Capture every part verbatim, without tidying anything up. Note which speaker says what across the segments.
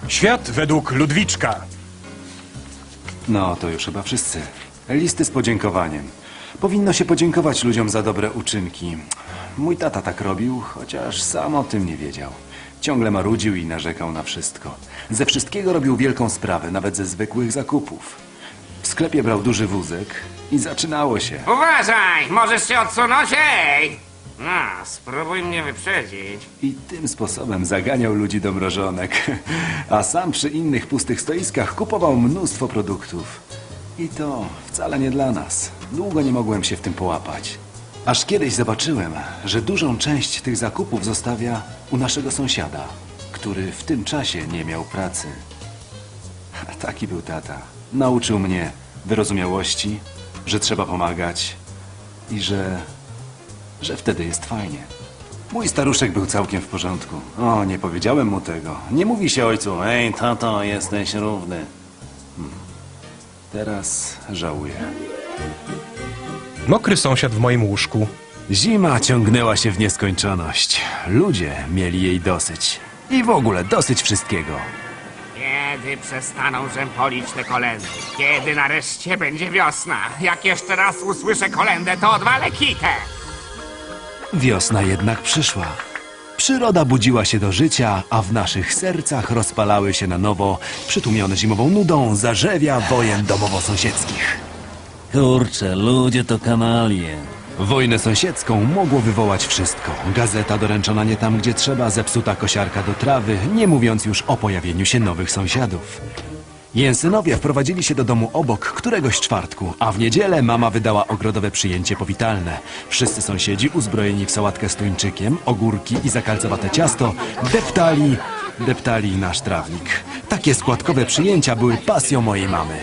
Speaker 1: Świat według Ludwiczka.
Speaker 2: No, to już chyba wszyscy. Listy z podziękowaniem. Powinno się podziękować ludziom za dobre uczynki. Mój tata tak robił, chociaż sam o tym nie wiedział. Ciągle marudził i narzekał na wszystko. Ze wszystkiego robił wielką sprawę, nawet ze zwykłych zakupów. W sklepie brał duży wózek i zaczynało się.
Speaker 3: Uważaj! Możesz się odsunąć, ej! No, spróbuj mnie wyprzedzić.
Speaker 2: I tym sposobem zaganiał ludzi do mrożonek. A sam przy innych pustych stoiskach kupował mnóstwo produktów. I to wcale nie dla nas. Długo nie mogłem się w tym połapać. Aż kiedyś zobaczyłem, że dużą część tych zakupów zostawia u naszego sąsiada, który w tym czasie nie miał pracy. Taki był tata. Nauczył mnie wyrozumiałości, że trzeba pomagać i że... że wtedy jest fajnie. Mój staruszek był całkiem w porządku. O, nie powiedziałem mu tego. Nie mówi się ojcu, ej tato, jesteś równy. Hmm. Teraz żałuję.
Speaker 1: Mokry sąsiad w moim łóżku.
Speaker 2: Zima ciągnęła się w nieskończoność. Ludzie mieli jej dosyć. I w ogóle dosyć wszystkiego.
Speaker 3: Kiedy przestaną rzępolić te kolendy? Kiedy nareszcie będzie wiosna? Jak jeszcze raz usłyszę kolendę, to odwalę kitę!
Speaker 2: Wiosna jednak przyszła. Przyroda budziła się do życia, a w naszych sercach rozpalały się na nowo, przytłumione zimową nudą, zarzewia wojen domowo-sąsiedzkich.
Speaker 4: Kurczę, ludzie to kanalie.
Speaker 2: Wojnę sąsiedzką mogło wywołać wszystko. Gazeta doręczona nie tam, gdzie trzeba, zepsuta kosiarka do trawy, nie mówiąc już o pojawieniu się nowych sąsiadów. Jensynowie wprowadzili się do domu obok któregoś czwartku, a w niedzielę mama wydała ogrodowe przyjęcie powitalne. Wszyscy sąsiedzi, uzbrojeni w sałatkę z tuńczykiem, ogórki i zakalcowate ciasto, deptali, deptali nasz trawnik. Takie składkowe przyjęcia były pasją mojej mamy.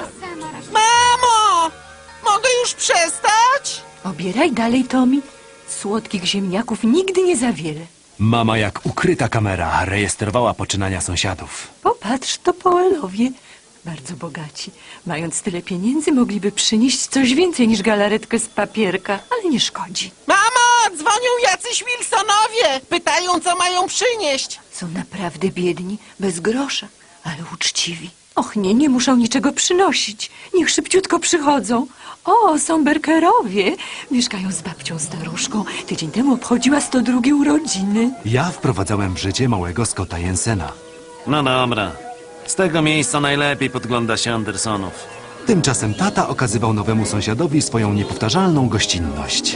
Speaker 5: Mamo! Mogę już przestać?
Speaker 6: Obieraj dalej, Tommy. Słodkich ziemniaków nigdy nie za wiele.
Speaker 2: Mama jak ukryta kamera rejestrowała poczynania sąsiadów.
Speaker 6: Popatrz, to Poelowie. Bardzo bogaci. Mając tyle pieniędzy, mogliby przynieść coś więcej niż galaretkę z papierka, ale nie szkodzi.
Speaker 5: Mamo! Dzwonią jacyś Wilsonowie! Pytają, co mają przynieść.
Speaker 6: Są naprawdę biedni, bez grosza, ale uczciwi. Och nie, nie muszą niczego przynosić. Niech szybciutko przychodzą. O, są Berkerowie. Mieszkają z babcią staruszką. Tydzień temu obchodziła sto drugie urodziny.
Speaker 2: Ja wprowadzałem w życie małego Scotta Jensena.
Speaker 4: No dobra. Z tego miejsca najlepiej podgląda się Andersonów.
Speaker 2: Tymczasem tata okazywał nowemu sąsiadowi swoją niepowtarzalną gościnność.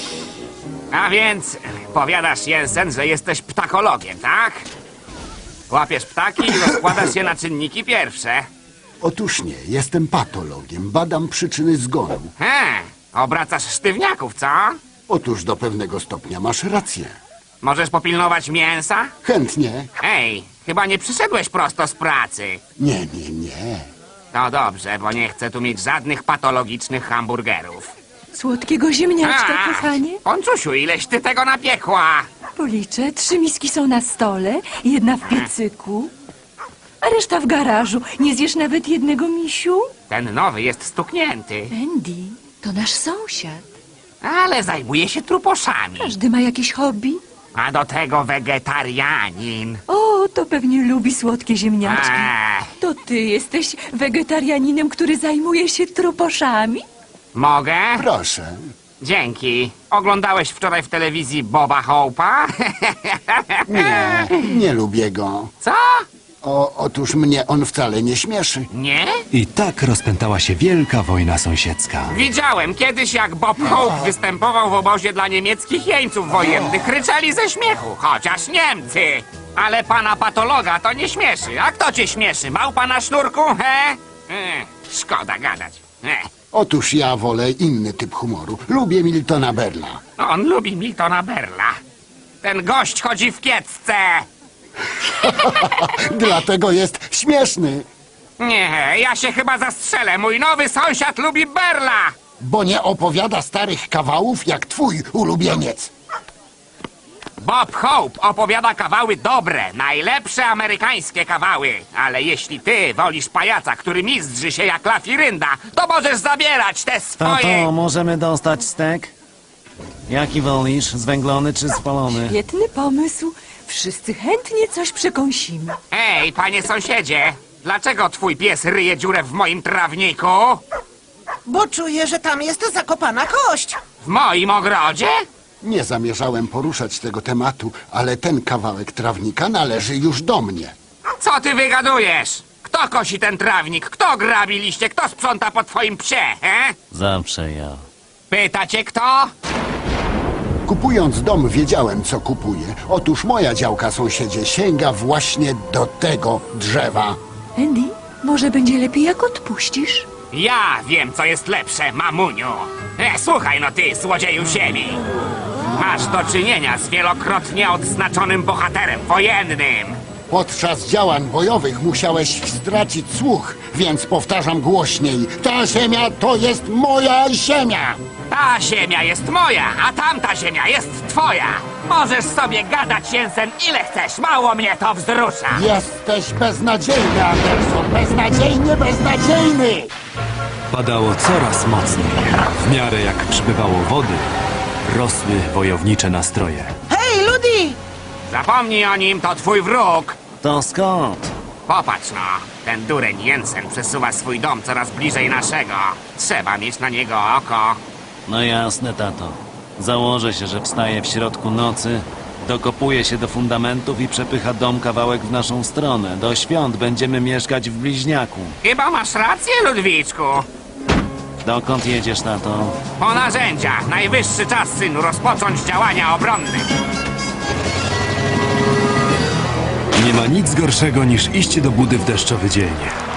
Speaker 3: A więc, powiadasz, Jensen, że jesteś ptakologiem, tak? Łapiesz ptaki i rozkładasz je na czynniki pierwsze.
Speaker 7: Otóż nie, jestem patologiem, badam przyczyny zgonu.
Speaker 3: He, obracasz sztywniaków, co?
Speaker 7: Otóż do pewnego stopnia masz rację.
Speaker 3: Możesz popilnować mięsa?
Speaker 7: Chętnie.
Speaker 3: Ej, chyba nie przyszedłeś prosto z pracy.
Speaker 7: Nie, nie, nie.
Speaker 3: To dobrze, bo nie chcę tu mieć żadnych patologicznych hamburgerów.
Speaker 6: Słodkiego ziemniaczka,
Speaker 3: A,
Speaker 6: kochanie.
Speaker 3: Ponczusiu, ileś ty tego napiekła?
Speaker 6: Policzę. Trzy miski są na stole, jedna w piecyku, a reszta w garażu. Nie zjesz nawet jednego, misiu?
Speaker 3: Ten nowy jest stuknięty,
Speaker 6: Andy, to nasz sąsiad.
Speaker 3: ale zajmuje się truposzami.
Speaker 6: Każdy ma jakieś hobby.
Speaker 3: A do tego wegetarianin.
Speaker 6: O, to pewnie lubi słodkie ziemniaczki.
Speaker 3: Eee,
Speaker 6: To ty jesteś wegetarianinem, który zajmuje się truposzami?
Speaker 3: mogę?
Speaker 7: Proszę.
Speaker 3: Dzięki. Oglądałeś wczoraj w telewizji Boba Hope'a?
Speaker 7: Nie, nie lubię go.
Speaker 3: Co?
Speaker 7: O, otóż mnie on wcale nie śmieszy.
Speaker 3: Nie?
Speaker 2: I tak rozpętała się wielka wojna sąsiedzka.
Speaker 3: Widziałem kiedyś, jak Bob Hope występował w obozie dla niemieckich jeńców wojennych. Kryczeli ze śmiechu, chociaż Niemcy. Ale pana patologa to nie śmieszy. A kto cię śmieszy? Małpa na sznurku, he? E, szkoda gadać. E.
Speaker 7: Otóż ja wolę inny typ humoru. Lubię Miltona Berla.
Speaker 3: On lubi Miltona Berla. Ten gość chodzi w kiecce.
Speaker 7: Dlatego jest śmieszny,
Speaker 3: Nie, ja się chyba zastrzelę. Mój nowy sąsiad lubi Berla.
Speaker 7: bo nie opowiada starych kawałów jak twój ulubieniec.
Speaker 3: Bob Hope opowiada kawały dobre, najlepsze amerykańskie kawały. Ale jeśli ty wolisz pajaca, który mizdrzy się jak lafirynda, to możesz zabierać te swoje...
Speaker 4: Tato, możemy dostać stek? Jaki wolisz? Zwęglony czy spalony?
Speaker 6: Świetny pomysł. Wszyscy chętnie coś przekąsimy.
Speaker 3: Ej, panie sąsiedzie, dlaczego twój pies ryje dziurę w moim trawniku?
Speaker 5: Bo czuję, że tam jest zakopana kość.
Speaker 3: W moim ogrodzie?
Speaker 7: Nie zamierzałem poruszać tego tematu, ale ten kawałek trawnika należy już do mnie.
Speaker 3: Co ty wygadujesz? Kto kosi ten trawnik? Kto grabi liście? Kto sprząta po twoim psie, he?
Speaker 4: Zawsze ja.
Speaker 3: Pytacie kto?
Speaker 7: Kupując dom, wiedziałem, co kupuję. Otóż moja działka, sąsiedzie, sięga właśnie do tego drzewa.
Speaker 6: Andy, może będzie lepiej, jak odpuścisz?
Speaker 3: Ja wiem, co jest lepsze, mamuniu. E, słuchaj no ty, złodzieju ziemi. Masz do czynienia z wielokrotnie odznaczonym bohaterem wojennym.
Speaker 7: Podczas działań bojowych musiałeś stracić słuch, więc powtarzam głośniej. Ta ziemia to jest moja ziemia!
Speaker 3: Ta ziemia jest moja, a tamta ziemia jest twoja. Możesz sobie gadać, Jensen, ile chcesz. Mało mnie to wzrusza.
Speaker 7: Jesteś beznadziejny, Anderson! Beznadziejnie beznadziejny!
Speaker 1: Padało coraz mocniej. W miarę jak przybywało wody, rosły wojownicze nastroje.
Speaker 5: Hej, Ludi!
Speaker 3: Zapomnij o nim, to twój wróg.
Speaker 4: To skąd?
Speaker 3: Popatrz no, ten dureń Jensen przesuwa swój dom coraz bliżej naszego. Trzeba mieć na niego oko.
Speaker 4: No jasne, tato. Założę się, że wstaje w środku nocy, dokopuje się do fundamentów i przepycha dom kawałek w naszą stronę. Do świąt będziemy mieszkać w bliźniaku.
Speaker 3: Chyba masz rację, Ludwiczku.
Speaker 4: Dokąd jedziesz, tato?
Speaker 3: Po narzędzia. Najwyższy czas, synu, rozpocząć działania obronne.
Speaker 1: Nie ma nic gorszego niż iść do budy w deszczowy dzień.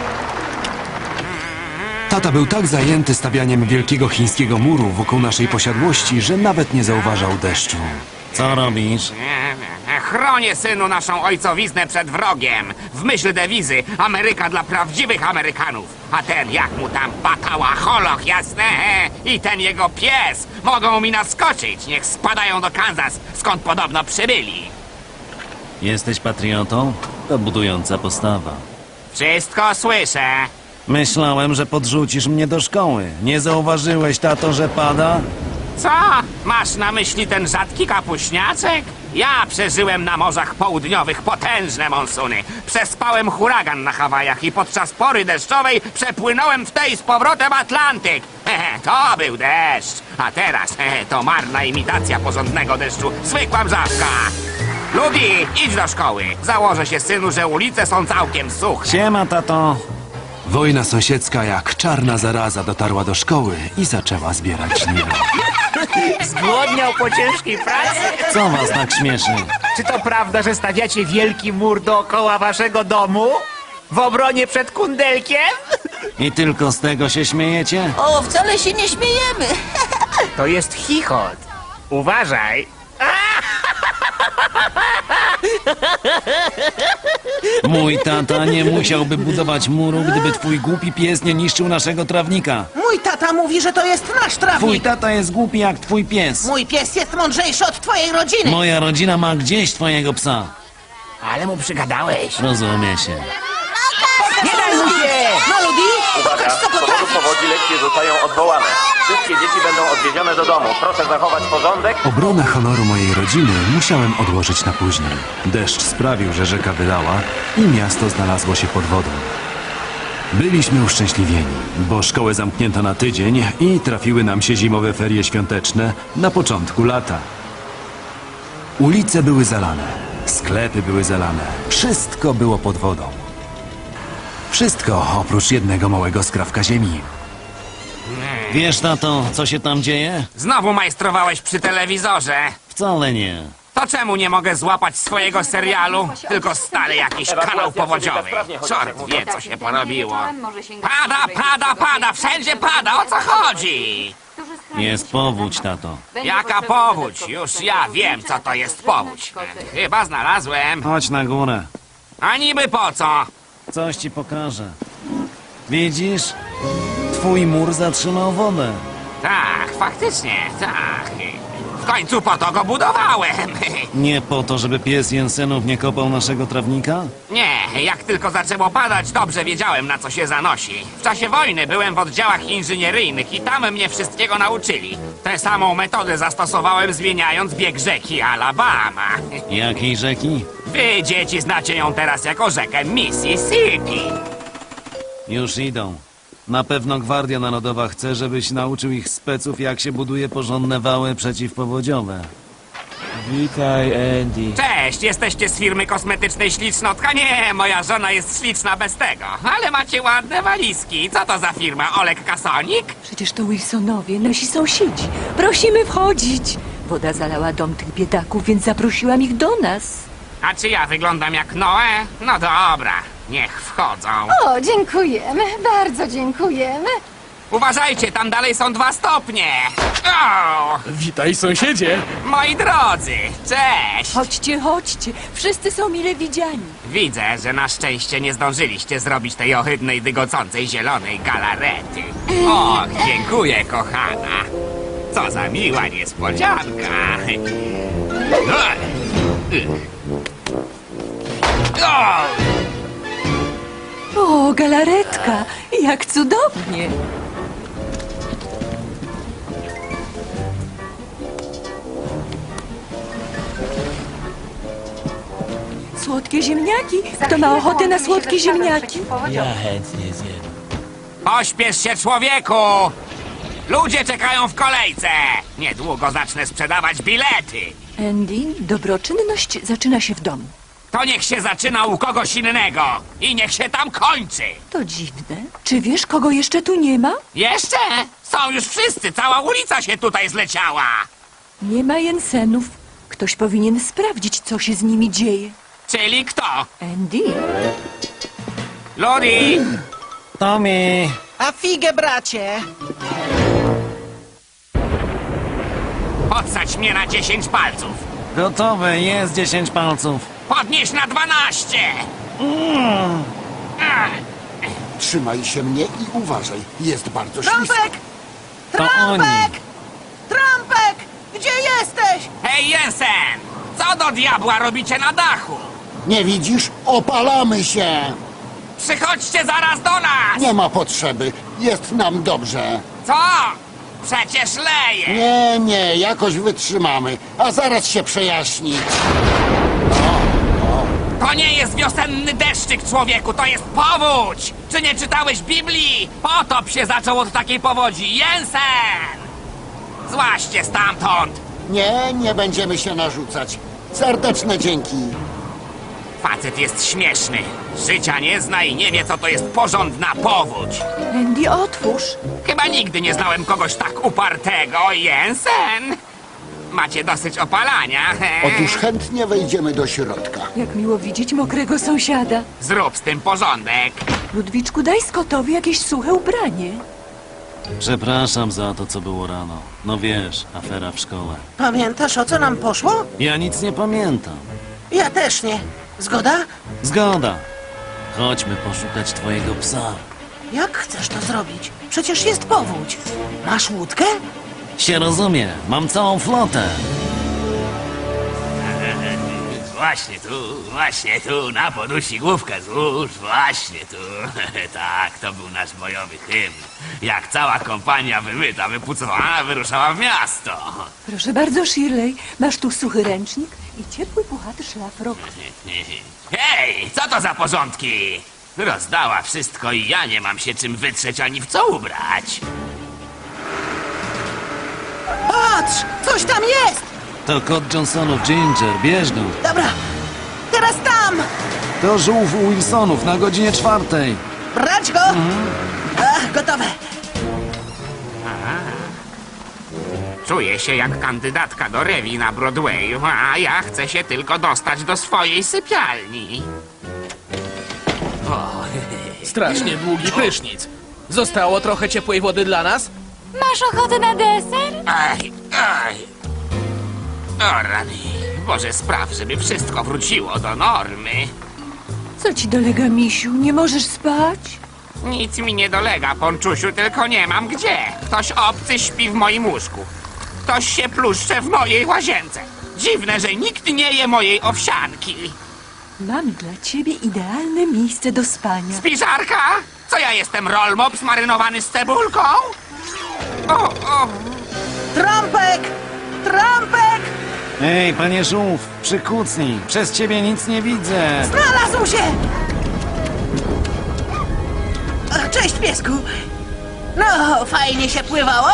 Speaker 1: Tata był tak zajęty stawianiem wielkiego chińskiego muru wokół naszej posiadłości, że nawet nie zauważał deszczu.
Speaker 4: Co robisz?
Speaker 3: Chronię, synu, naszą ojcowiznę przed wrogiem. W myśl dewizy Ameryka dla prawdziwych Amerykanów. A ten, jak mu tam batała, holoch, jasne? I ten jego pies mogą mi naskoczyć. Niech spadają do Kansas, skąd podobno przybyli.
Speaker 4: Jesteś patriotą? To budująca postawa.
Speaker 3: Wszystko słyszę.
Speaker 4: Myślałem, że podrzucisz mnie do szkoły. Nie zauważyłeś, tato, że pada?
Speaker 3: Co? Masz na myśli ten rzadki kapuśniaczek? Ja przeżyłem na morzach południowych potężne monsuny. Przespałem huragan na Hawajach i podczas pory deszczowej przepłynąłem w tej z powrotem Atlantyk. Hehe, to był deszcz. A teraz hehe, to marna imitacja porządnego deszczu. Zwykła mrzawka. Ludi, idź do szkoły. Założę się, synu, że ulice są całkiem suche.
Speaker 4: Siema, tato.
Speaker 1: Wojna sąsiedzka jak czarna zaraza dotarła do szkoły i zaczęła zbierać żniwa.
Speaker 8: Zgłodniał po ciężkiej pracy?
Speaker 4: Co was tak śmieszy?
Speaker 8: Czy to prawda, że stawiacie wielki mur dookoła waszego domu? W obronie przed kundelkiem?
Speaker 4: I tylko z tego się śmiejecie?
Speaker 9: O, wcale się nie śmiejemy.
Speaker 8: To jest chichot. Uważaj.
Speaker 4: Mój tata nie musiałby budować muru, gdyby twój głupi pies nie niszczył naszego trawnika.
Speaker 5: Mój tata mówi, że to jest nasz
Speaker 4: Twój
Speaker 5: trawnik.
Speaker 4: tata jest głupi jak twój pies.
Speaker 5: Mój pies jest mądrzejszy od twojej rodziny.
Speaker 4: Moja rodzina ma gdzieś twojego psa.
Speaker 8: Ale mu przygadałeś.
Speaker 4: Rozumie się.
Speaker 8: Nie daj mu się!
Speaker 5: No, Ludi, pokaż, co
Speaker 10: Z powodu
Speaker 5: potrafisz.
Speaker 10: powodzi lekcje zostają odwołane. Wszystkie dzieci będą odwiezione do domu. Proszę zachować porządek.
Speaker 1: Obronę honoru mojej rodziny musiałem odłożyć na później. Deszcz sprawił, że rzeka wylała i miasto znalazło się pod wodą. Byliśmy uszczęśliwieni, bo szkołę zamknięto na tydzień i trafiły nam się zimowe ferie świąteczne na początku lata. Ulice były zalane, sklepy były zalane, wszystko było pod wodą. Wszystko oprócz jednego małego skrawka ziemi.
Speaker 4: Wiesz, tato, co się tam dzieje?
Speaker 3: Znowu majstrowałeś przy telewizorze.
Speaker 4: Wcale nie.
Speaker 3: To czemu nie mogę złapać swojego serialu? Tylko stale jakiś kanał powodziowy. Czort wie, co się porobiło. Pada, pada, pada, wszędzie pada, o co chodzi?
Speaker 4: Jest powódź, tato.
Speaker 3: Jaka powódź? Już ja wiem, co to jest powódź. Chyba znalazłem.
Speaker 4: Chodź na górę.
Speaker 3: A niby po co?
Speaker 4: Coś ci pokażę. Widzisz? Twój mur zatrzymał wodę.
Speaker 3: Tak, faktycznie, tak. W końcu po to go budowałem.
Speaker 4: Nie po to, żeby pies Jensenów nie kopał naszego trawnika?
Speaker 3: Nie, jak tylko zaczęło padać, dobrze wiedziałem, na co się zanosi. W czasie wojny byłem w oddziałach inżynieryjnych i tam mnie wszystkiego nauczyli. Tę samą metodę zastosowałem, zmieniając bieg rzeki Alabama.
Speaker 4: Jakiej rzeki?
Speaker 3: Wy, dzieci, znacie ją teraz jako rzekę Mississippi.
Speaker 4: Już idą. Na pewno Gwardia Narodowa chce, żebyś nauczył ich speców, jak się buduje porządne wały przeciwpowodziowe.
Speaker 11: Witaj, Andy.
Speaker 3: Cześć, jesteście z firmy kosmetycznej Ślicznotka? Nie, moja żona jest śliczna bez tego. Ale macie ładne walizki. Co to za firma? Olek Kasonik?
Speaker 6: Przecież to Wilsonowie, nasi sąsiedzi. Prosimy wchodzić. Woda zalała dom tych biedaków, więc zaprosiłam ich do nas.
Speaker 3: A czy ja wyglądam jak Noe? No dobra, niech wchodzą.
Speaker 12: O, dziękujemy, bardzo dziękujemy.
Speaker 3: Uważajcie, tam dalej są dwa stopnie. O!
Speaker 11: Witaj, sąsiedzie.
Speaker 3: Moi drodzy, cześć!
Speaker 6: Chodźcie, chodźcie. Wszyscy są mile widziani.
Speaker 3: Widzę, że na szczęście nie zdążyliście zrobić tej ohydnej, dygocącej zielonej galarety. O, dziękuję, kochana. Co za miła niespodzianka. O!
Speaker 6: O, galaretka. Jak cudownie. Słodkie ziemniaki. Kto ma ochotę na słodkie ziemniaki?
Speaker 11: Ja chętnie zjem.
Speaker 3: Pośpiesz się, człowieku! Ludzie czekają w kolejce! Niedługo zacznę sprzedawać bilety.
Speaker 6: Andy, dobroczynność zaczyna się w domu.
Speaker 3: To niech się zaczyna u kogoś innego i niech się tam kończy.
Speaker 6: To dziwne. Czy wiesz, kogo jeszcze tu nie ma?
Speaker 3: Jeszcze? Są już wszyscy, cała ulica się tutaj zleciała.
Speaker 6: Nie ma Jensenów. Ktoś powinien sprawdzić, co się z nimi dzieje.
Speaker 3: Czyli kto?
Speaker 6: Andy?
Speaker 3: Ludi!
Speaker 4: Tommy!
Speaker 5: A figę, bracie!
Speaker 3: Podsadź mnie na dziesięć palców.
Speaker 4: Gotowe, jest dziesięć palców.
Speaker 3: Podnieś na dwanaście.
Speaker 7: Trzymaj się mnie i uważaj. Jest bardzo ślisko.
Speaker 5: Trąbek!
Speaker 4: To oni.
Speaker 5: Trąbek! Trąbek! Gdzie jesteś?
Speaker 3: Hej, Jensen! Co do diabła robicie na dachu?
Speaker 7: Nie widzisz? Opalamy się!
Speaker 3: Przychodźcie zaraz do nas!
Speaker 7: Nie ma potrzeby. Jest nam dobrze.
Speaker 3: Co? Przecież leje!
Speaker 7: Nie, nie, jakoś wytrzymamy. A zaraz się przejaśni.
Speaker 3: To nie jest wiosenny deszczyk, człowieku, to jest powódź! Czy nie czytałeś Biblii? Potop się zaczął od takiej powodzi. Jensen! Złaście stamtąd!
Speaker 7: Nie, nie będziemy się narzucać. Serdeczne dzięki.
Speaker 3: Facet jest śmieszny. Życia nie zna i nie wie, co to jest porządna powódź.
Speaker 6: Andy, otwórz.
Speaker 3: Chyba nigdy nie znałem kogoś tak upartego, Jensen. Macie dosyć opalania.
Speaker 7: Otóż chętnie wejdziemy do środka.
Speaker 6: Jak miło widzieć mokrego sąsiada.
Speaker 3: Zrób z tym porządek.
Speaker 6: Ludwiczku, daj Scottowi jakieś suche ubranie.
Speaker 4: Przepraszam za to, co było rano. No wiesz, afera w szkole.
Speaker 5: Pamiętasz, o co nam poszło?
Speaker 4: Ja nic nie pamiętam.
Speaker 5: Ja też nie. Zgoda?
Speaker 4: Zgoda. Chodźmy poszukać twojego psa.
Speaker 5: Jak chcesz to zrobić? Przecież jest powódź. Masz łódkę?
Speaker 4: Się rozumie, mam całą flotę.
Speaker 3: Właśnie tu, właśnie tu, na podusi główkę złóż, właśnie tu. Tak, to był nasz bojowy hymn. Jak cała kompania wymyta, wypucowana, wyruszała w miasto.
Speaker 6: Proszę bardzo, Shirley. Masz tu suchy ręcznik i ciepły, puchaty szlafrok.
Speaker 3: Hej, co to za porządki? Rozdała wszystko i ja nie mam się czym wytrzeć ani w co ubrać.
Speaker 5: Patrz! Coś tam jest!
Speaker 4: To kot Johnsonów Ginger, bierz go.
Speaker 5: Dobra, teraz tam!
Speaker 4: To żółw u Wilsonów na godzinie czwartej.
Speaker 5: Brać go! Ach, gotowe!
Speaker 3: Czuję się jak kandydatka do rewi na Broadwayu, a ja chcę się tylko dostać do swojej sypialni. O,
Speaker 11: Strasznie długi prysznic. Zostało trochę ciepłej wody dla nas?
Speaker 12: Masz ochotę na deser?
Speaker 3: aj, aj. O rany, Boże, spraw, żeby wszystko wróciło do normy.
Speaker 6: Co ci dolega, misiu? Nie możesz spać?
Speaker 3: Nic mi nie dolega, Ponczusiu, tylko nie mam gdzie. Ktoś obcy śpi w moim łóżku. ktoś się pluszcze w mojej łazience. Dziwne, że nikt nie je mojej owsianki.
Speaker 6: Mam dla ciebie idealne miejsce do spania.
Speaker 3: Spiżarka? Co ja jestem, rollmop zmarynowany z cebulką? O, o.
Speaker 5: Trąbek! Trąbek!
Speaker 4: Ej, panie żółw, przykucnij. Przez ciebie nic nie widzę.
Speaker 5: Znalazł się! O, cześć, piesku. No, fajnie się pływało.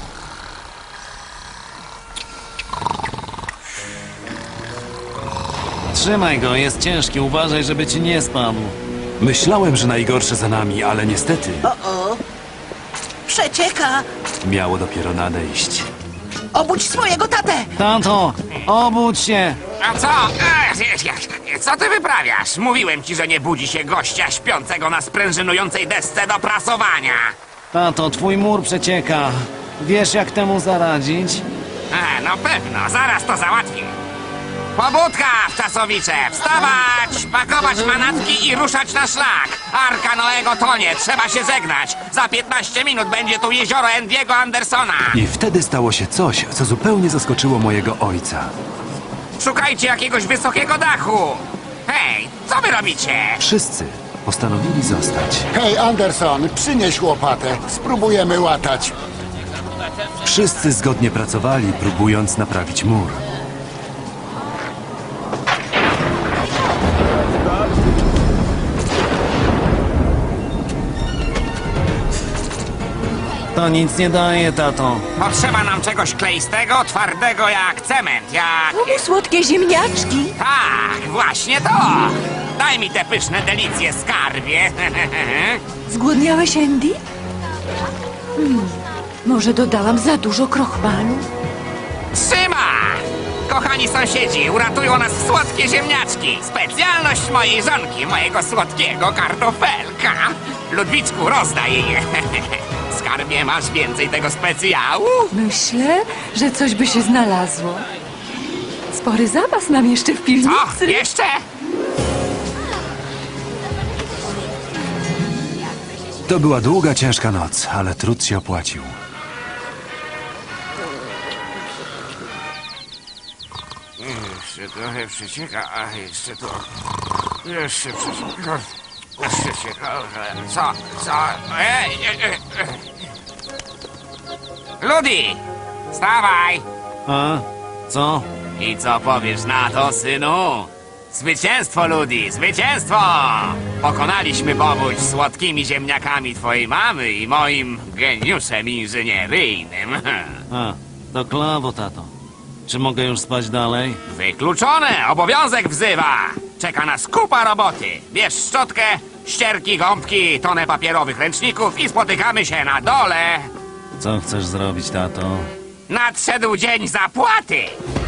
Speaker 4: Trzymaj go, jest ciężki. Uważaj, żeby ci nie spadł.
Speaker 1: Myślałem, że najgorsze za nami, ale niestety
Speaker 5: O-o. Przecieka.
Speaker 1: miało dopiero nadejść.
Speaker 5: Obudź swojego tatę.
Speaker 4: Tato, obudź się.
Speaker 3: A co? E, Co ty wyprawiasz? Mówiłem ci, że nie budzi się gościa śpiącego na sprężynującej desce do prasowania.
Speaker 4: Tato, twój mur przecieka. Wiesz, jak temu zaradzić?
Speaker 3: E, no pewno, zaraz to załatwię. Pobudka, wczasowicze! Wstawać, pakować manatki i ruszać na szlak. Arka Noego tonie, trzeba się żegnać. Za piętnaście minut będzie tu jezioro Andy'ego Andersona.
Speaker 1: I wtedy stało się coś, co zupełnie zaskoczyło mojego ojca.
Speaker 3: Szukajcie jakiegoś wysokiego dachu. Hej, co wy robicie?
Speaker 1: Wszyscy postanowili zostać.
Speaker 7: Hej, Anderson, przynieś łopatę. Spróbujemy łatać.
Speaker 1: Wszyscy zgodnie pracowali, próbując naprawić mur.
Speaker 4: To nic nie daje, tato.
Speaker 3: Potrzeba nam czegoś kleistego, twardego jak cement, jak...
Speaker 6: Lubię słodkie ziemniaczki.
Speaker 3: Tak, właśnie to! Daj mi te pyszne delicje, skarbie.
Speaker 6: Zgłodniałeś, Andy? Hmm, może dodałam za dużo krochmalu?
Speaker 3: Trzyma! Kochani sąsiedzi, uratują nas słodkie ziemniaczki. Specjalność mojej żonki, mojego słodkiego kartofelka. Ludwiczku, rozdaj je. Skarbie, masz więcej tego specjału?
Speaker 6: Myślę, że coś by się znalazło. Spory zapas mam jeszcze w piwnicy.
Speaker 3: Co? Jeszcze?
Speaker 1: To była długa, ciężka noc, ale trud się opłacił.
Speaker 3: Jeszcze trochę przecieka, a jeszcze to... Jeszcze przecieka... Jeszcze przecieka... Co? Co? Ej, ej, ej, ej. Ludi! Wstawaj!
Speaker 4: A? Co?
Speaker 3: I co powiesz na to, synu? Zwycięstwo, Ludi! Zwycięstwo! Pokonaliśmy powódź słodkimi ziemniakami twojej mamy i moim geniuszem inżynieryjnym.
Speaker 4: A, to klawo, tato. Czy mogę już spać dalej?
Speaker 3: Wykluczone! Obowiązek wzywa! Czeka nas kupa roboty. Bierz szczotkę, ścierki, gąbki, tonę papierowych ręczników i spotykamy się na dole.
Speaker 4: Co chcesz zrobić, tato?
Speaker 3: Nadszedł dzień zapłaty!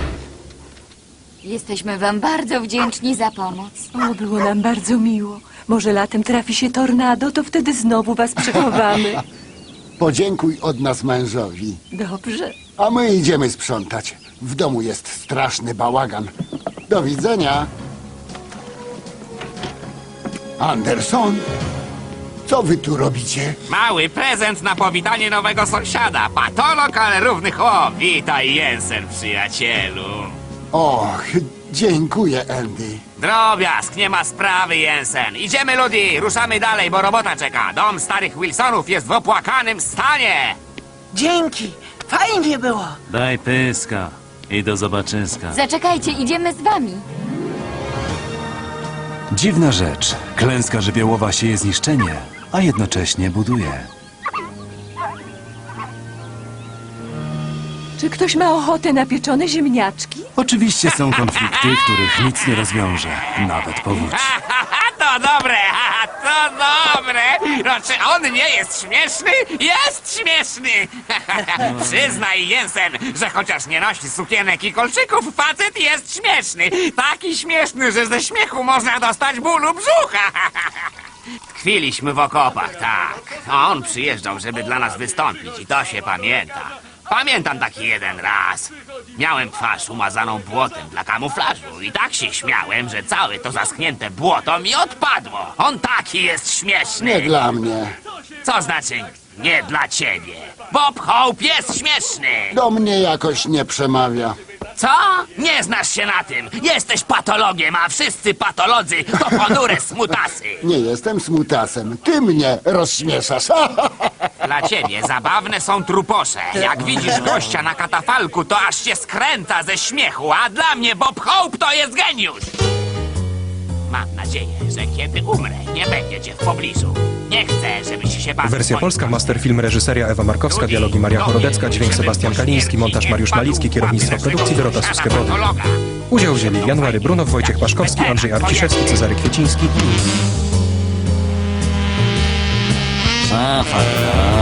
Speaker 12: Jesteśmy wam bardzo wdzięczni za pomoc.
Speaker 6: O, było nam bardzo miło. Może latem trafi się tornado, to wtedy znowu was przechowamy.
Speaker 7: Podziękuj od nas mężowi.
Speaker 6: Dobrze.
Speaker 7: A my idziemy sprzątać. W domu jest straszny bałagan. Do widzenia. Anderson? Co wy tu robicie?
Speaker 3: Mały prezent na powitanie nowego sąsiada. Patolog, ale równych. O, witaj, Jensen, przyjacielu.
Speaker 7: Och, dziękuję, Andy.
Speaker 3: Drobiazg, nie ma sprawy, Jensen. Idziemy, Ludi, ruszamy dalej, bo robota czeka. Dom starych Wilsonów jest w opłakanym stanie.
Speaker 5: Dzięki. Fajnie było.
Speaker 4: Daj pyska i do zobaczyska.
Speaker 12: Zaczekajcie, idziemy z wami.
Speaker 1: Dziwna rzecz. Klęska żywiołowa sieje zniszczenie, a jednocześnie buduje.
Speaker 6: Czy ktoś ma ochotę na pieczone ziemniaczki?
Speaker 1: Oczywiście są konflikty, których nic nie rozwiąże. Nawet powódź.
Speaker 3: To dobre, to dobre. No, czy on nie jest śmieszny? Jest śmieszny. Przyznaj, Jensen, że chociaż nie nosi sukienek i kolczyków, facet jest śmieszny. Taki śmieszny, że ze śmiechu można dostać bólu brzucha. Tkwiliśmy w okopach, tak. A on przyjeżdżał, żeby dla nas wystąpić i to się pamięta. Pamiętam taki jeden raz. Miałem twarz umazaną błotem dla kamuflażu i tak się śmiałem, że całe to zaschnięte błoto mi odpadło. On taki jest śmieszny.
Speaker 7: Nie dla mnie.
Speaker 3: Co znaczy nie dla ciebie. Bob Hope jest śmieszny.
Speaker 7: Do mnie jakoś nie przemawia.
Speaker 3: Co? Nie znasz się na tym. Jesteś patologiem, a wszyscy patolodzy to ponure smutasy.
Speaker 7: Nie jestem smutasem. Ty mnie rozśmieszasz.
Speaker 3: Dla ciebie zabawne są truposze. Jak widzisz gościa na katafalku, to aż się skręca ze śmiechu, a dla mnie Bob Hope to jest geniusz. Mam nadzieję, że kiedy umrę, nie będzie cię w pobliżu. Nie chcę, żebyś się bawił.
Speaker 13: Wersja
Speaker 3: moim
Speaker 13: polska,
Speaker 3: kosztem.
Speaker 13: masterfilm, reżyseria Ewa Markowska, dialogi Maria Chorodecka, dźwięk Sebastian Kaliński, montaż Mariusz Malicki, kierownictwo produkcji Dorota Suskiewicz. Udział wzięli January Brunow, Wojciech Paszkowski, Andrzej Arciszewski, Cezary Kwieciński i...
Speaker 4: A, fakt.